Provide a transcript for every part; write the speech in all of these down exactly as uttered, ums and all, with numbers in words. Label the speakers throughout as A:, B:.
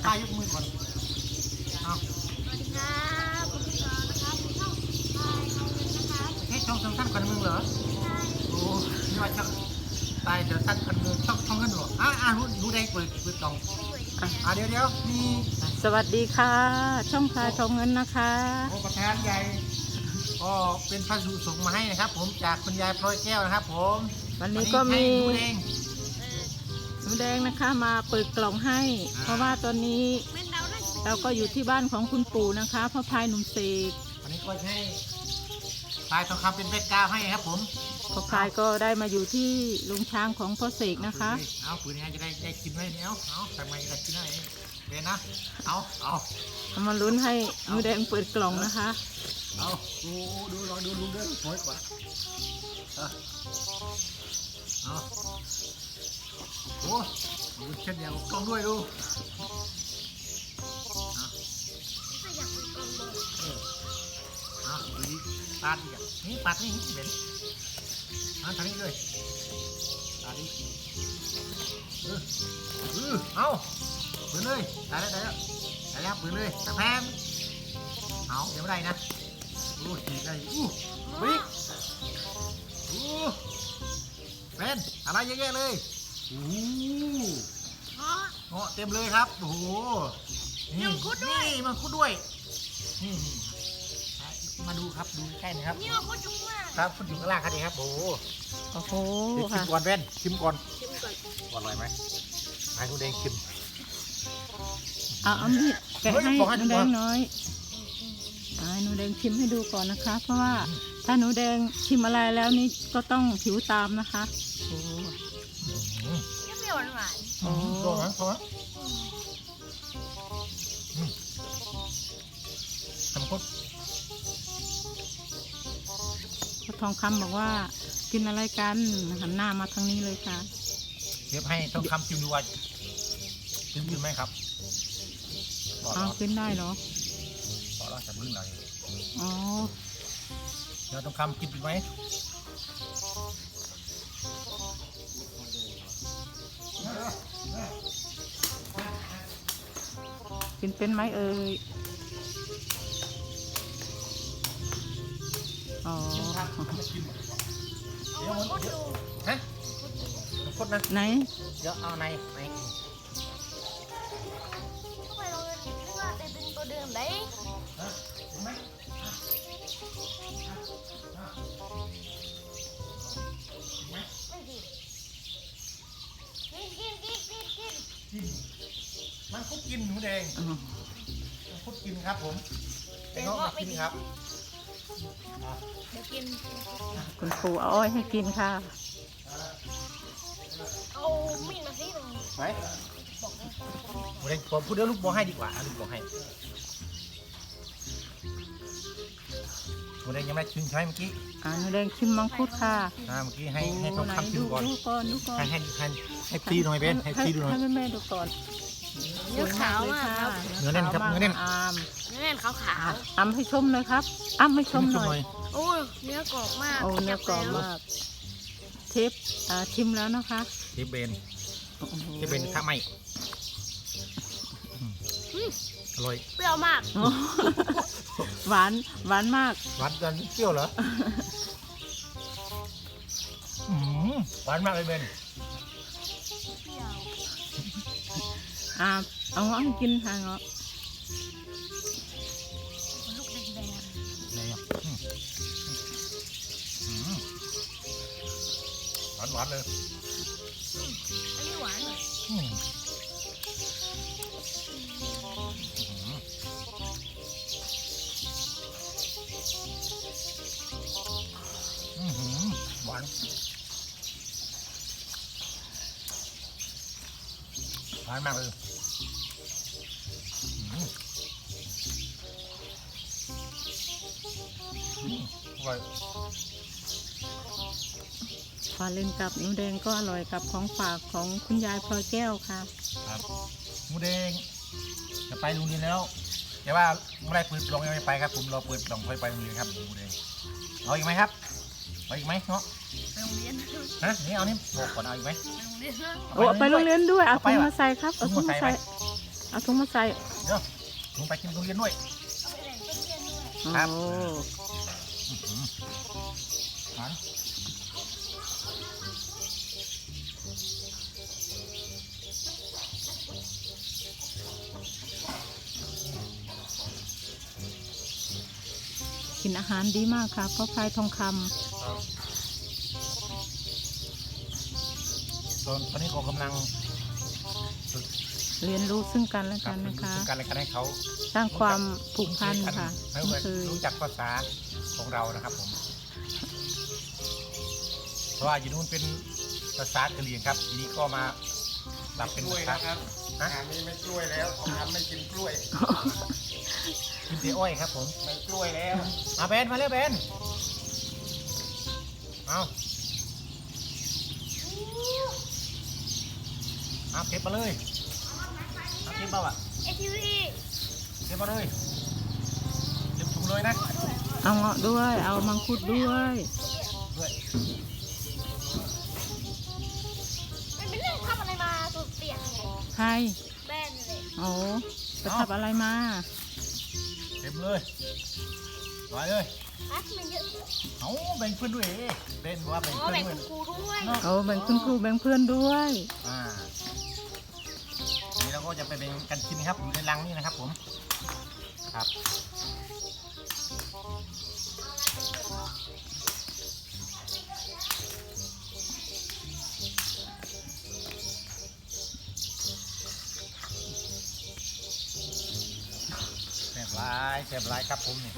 A: ทายยกมือก่อนเอา
B: สวัสดีครับผมพี่จอนะครับช่องพายเอาเงินนะครับ
A: แค่ช่องสั้นๆกันมึงเหรอโอ้ยว่าช่องตายเดี๋ยวสั้นกันมึงช่องช่องเงินเหรออ่าอ่ารู้รู้ได้เปิดเปิดกล่องอ่าเดี๋ยวเดี๋ยวมี
C: สวัสดีค่ะ ช่องพายทองเงินนะคะ
A: โอ้ประธานใหญ่ก็เป็นพัสดุส่งมาให้นะครับผมจากคุณยายพลอยแก้วนะครับผม
C: วันนี้ก็มี
A: หนูเอง
C: หนูแดงนะคะมาเปิดกล่องให้ เพราะว่าตอนนี้เราก็อยู่ที่บ้านของคุณปู่นะคะพ่อพายหนุ่มเสก
A: วันนี้ก็ให้ตายทองคำเป็นเพชรก้าวให้ครับผม
C: พ่อพายก็ได้มาอยู่ที่ลุงช้างของพ่อเสกนะคะ
A: เอาปืนนี้จะได้ได้กินไหมเนี่ยเอาเอาทำไมจะกินได้เดี๋ยวนะเอาเอา
C: เอามาลุ้นให้หนูแดงเปิดกล่องนะคะ
A: เอาดูดูลองดูดูเด้อสวยกว่าเอาเอาโอ้ดูเช่นเดียวกล้องด้วยดูเอา
B: ถ้าอยากเป็นกองบอล
A: เออเอาดูดิตาดีอ่ะนี่ปัดนี่เด่นเอาทางนี้ด้วยตาดีเออเออเอาปืนเลยได้แล้วได้แล้วได้แล้วปืนเลยตะแพมเอาเดี๋ยวไม่ได้นะโอ้ฉีกได้อู้บิ๊กอู้เป็นอะไรเยอะแยะเลยโอ้
B: เพราะ
A: เงาะเต็มเลยครับโอ้โหนี่
B: มังคุดด้วย
A: นี่มังคุดด้วยนี่มาดูครับดูใกล้นะครับ
B: นี่มันโคตรจุ๊บมาก
A: ครับคุณอยู่ข้างล่างครับนี่ครับโอ้โห
C: โอ้โห
A: เดี๋ยวชิ
C: ค่ะ
A: มก่อนเว้นชิมก่อน
B: ชิมก่อน
A: อร่อยไหมให้คุณแดงชิม
C: เอาเอามีดแกะ
A: เฮ้ย
C: ให้
A: บอกให้
C: ห
A: ดู
C: นูแด
A: ก่อน
C: งน้อยเอาให้หนูแดงชิมให้ดูก่อนนะคะ เพราะว่าถ้าหนูแดงชิมอะไรแล้วนี่ก็ต้องผิวตามนะคะโอ้
A: อืม
B: เปรี้ยวหวาน
C: โอ้
A: ลองนะลองนะอืมทำคุด
C: พ่อทองคำบอกว่ากินอะไรกันหันหน้ามาทางนี้เลยค่ะ
A: เทียบให้ต้องคำชิมดูว่าชิมกินไหมครับบอก
C: เอา
A: เรา
C: ขึ้นได้เหรอ
A: บอกเราจะมึงหน่อย
C: อ๋อ
A: เดี๋ยวต้องคำกินเป็นไหม
C: กินเป็นไหมเอ่ยอ๋อ
A: ชิม
B: เอามันโคตรดู
A: ฮะคดนะ
C: ไหน
A: เดี๋ยวเอาในใน
B: เข้าไปเราเลยนึกว่าแต่เป็นตัวเดิมได้
A: ฮะเห็นไหม
B: ไม่ดีกินกินกินกินกิน
A: กินมันคุดกินหนูแดง
C: อ๋อ
A: มันคุดกินครับผมไอ้เงาะมากินครับอ่ะ
B: เดี๋ยวกิน
C: คุณปู่เอาอ้อยให้กินค่ะ
B: เอามีดมาสิตรง
A: ไหนหนูแดงผมพูดเดี๋ยวลูกบอกให้ดีกว่าอ่ะลูกบอกให้หนูแดงยังไม่ได้ชิมใช่ไหมเมื่อกี้
C: อ่าหนูแดงชิมมังคุดค่ะ
A: อ่าเมื่อกี้ให้ให้
C: โอ้
A: ต้อง
C: ไหน
A: คำชิ
C: ดู
A: มก่อน
C: ดูก่อนดูก่อน
A: ให้ให้ให้ให้พี่หน่อยเบนให้พี่ดูหน่อย
C: ให้แม่แม่ดูก่อน
B: เนื้อขาวมากครับ
A: เนื้อแน่นครับเนื้อแน่น
C: อาม
B: เนื้อแน่นขาวขาว
C: อ้ำให้ชมหน่อยครับอ้ำให้ชมหน่อย
B: โอ้ยเนื้อกรอบมาก
C: โอ้เนื้อกรอบมากเทปอ่าชิมแล้วนะคะ
A: เทปเบน
C: โอ้โห
A: เทปเบนข้าไม่อร่อย
B: เปรี้ยวมาก
C: โอ้หวานหวานมาก
A: หวานกันเปรี้ยวเหรออืมหวานมากเลยเบน
B: เปรี้ยว
C: อ่าเอาเงาะให้กินค่ะเงาะ
B: ลูกแดง
A: ไหนอ่ะอืมอืมหวานหวานเลย
B: ๆอันนี้หวานหน่อย
A: อืมอืมอืมหวานหวานมากเลยอืมอืมอร่อย
C: ปลาเล่นกับหนูแดงก็อร่อยกับของฝากของคุณยายพลอยแก้วค่ะ
A: ครับหมูแดงจะไปโรงเรียนแล้วแต่ว่าไม่ได้เปิดกล่องยังไม่ไปครับผมรอเปิดกล่องค่อยไปโรงเรียนครับหมูแดงเอาอีกไหมครับเอาอีกไหมเนาะ
B: ไปโรงเรียน
A: ฮะนี่เอานี่บอกก่อนเอาอีกไหม
B: ไปโรงเรียน
C: โอ้ไปโรงเรียนด้วยเอา
A: เอาไป
C: ถุง
A: วะ
C: มาใส่ครับเอาถุงมาใส่
A: ถ
C: เอาถุงมาใส่
A: เดี๋ยวลงไปกินทุเรียนด้วย
B: เอาไปแบ่งเพื่อนๆด้วย
C: โอ้
A: ครับ อื้อหือหวาน
C: กินอาหารดีมากค่ะพ่อพายทองคำ
A: ตอนตอนนี้เขากำลังฝึก
C: เรียนรู้ซึ่งกันและ
A: ครั
C: กับ น
A: ฝึก
C: นะคะ
A: ซึ่งกันและกันให้เขา
C: สร้างความผูกพันค่ะ
A: ให้
C: ไม่เคย
A: รู้จักภาษาของเรานะครับผมเพราะว่าอยู่นู้นเป็นภาษากะเหรี่ยงครับทีนี้ก็มาปรับเป็น
D: กล้
A: ภา
D: วย
A: ษา
D: นะครับ
A: ฮะ
D: งานนี้ไม่กล้วยแล้วของทำไม่กินกล้วย
A: กินเตี๋ยวอ้อยครับผม
D: ไม่กล้วยแล้ว
A: มาเบนมาเร็วเบนเอาเอาเก็บมาเลยเอาเก็บมาอ่ะ
B: เอทีวี
A: เก็บมาเลยเก็บถุงเลยนะ
C: เอาเงาะด้วย เอามังคุดด้วย
A: ด้วย
B: มันเป็นเรื่องทำอะไรมาสุดเปียกไง
C: ใคร
B: แบนเลย
C: โอ้ไปทำอะไรมา
A: เก็บเลยไปเลย
B: ฮะมันเยอะ
A: เอาแบ่งเพื่อนด้วยเอ๊ะเบนบอกว่าแบ่ง
B: อ๋อ
A: เพื่อน
B: แบ่ง
A: ด้วย
B: คุณครูด้วย
A: เนาะ
C: เอาแบ่งคุณครูแบ่งเพื่อนด้วย
A: อ่านี่เราก็จะไปแบ่งกันกินนะครับอยู่ในรังนี่นะครับผมครับแซ่บหลายแซ่บหลายครับผมนี่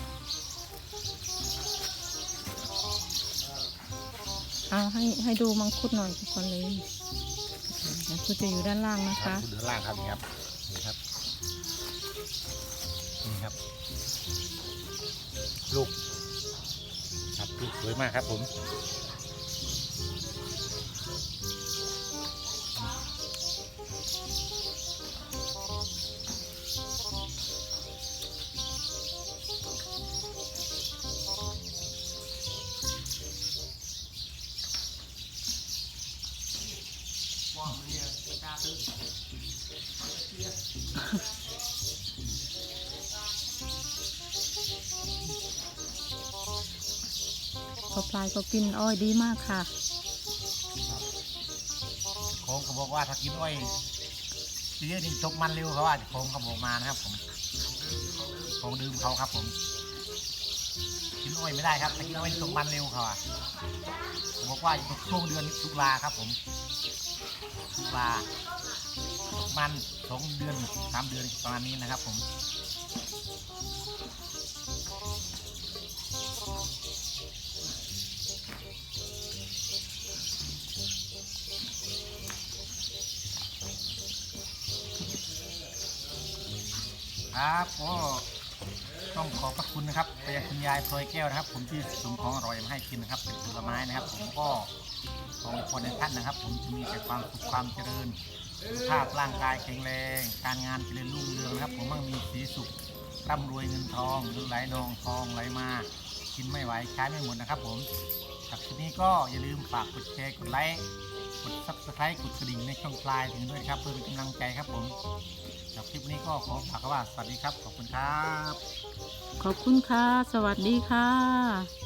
C: เอาให้ให้ดูมังคุดหน่อยก่อนเลยมังคุดจะอยู่ด้านล่างนะ
A: ครั
C: คะ
A: บคุณเดือล่างครับนี่ครับนี่ครับนี่ครับ ลูกครับลูกสวยมากครับผมว้าวเนี่ยกล้าตื้อ
C: พอปลายก็กินอ้อยดีมากค่ะ
A: โค้งเขาบอกว่าถ้ากินอ้อยเยอะนี่ตกมันเร็วเขาว่าโค้งเขาบอกมานะครับผมโค้งดื่มเขาครับผมกินอ้อยไม่ได้ครับถ้ากินอ้อยนี่ตกมันเร็วเขาอ่ะเขาบอกว่าอยู่ช่วงเดือนตุลาครับผมตุลาตกมันสองเดือนสามเดือนประมาณนี้นะครับผมครับก็ต้องขอบพระคุณนะครับไปยังคุณยายพลอยแก้วนะครับ ผมที่ส่งของอร่อยมาให้กินนะครับเป็นผลไม้นะครับ ผมก็ขอให้คนในท่านนะครับ ผมจะมีแต่ความสุขความเจริญสุขภาพร่างกายแข็งแรงการงานเจริญรุ่งเรืองนะครับ ผมมั่งมีสีสุขร่ำรวยเงินทองเงินไหลนองทองไหลมากินไม่ไหวใช้ไม่หมดนะครับ ผมจากที่นี้ก็อย่าลืมฝากกดแชร์กดไลค์กดซับสไครต์กดกระดิ่งในช่องปลายถึงด้วยครับเพื่อเป็นกำลังใจครับผมจากคลิปนี้ก็ขอฝากคำว่าสวัสดีครับขอบคุณครับ
C: ขอบคุณค่ะ สวัสดีค่ะ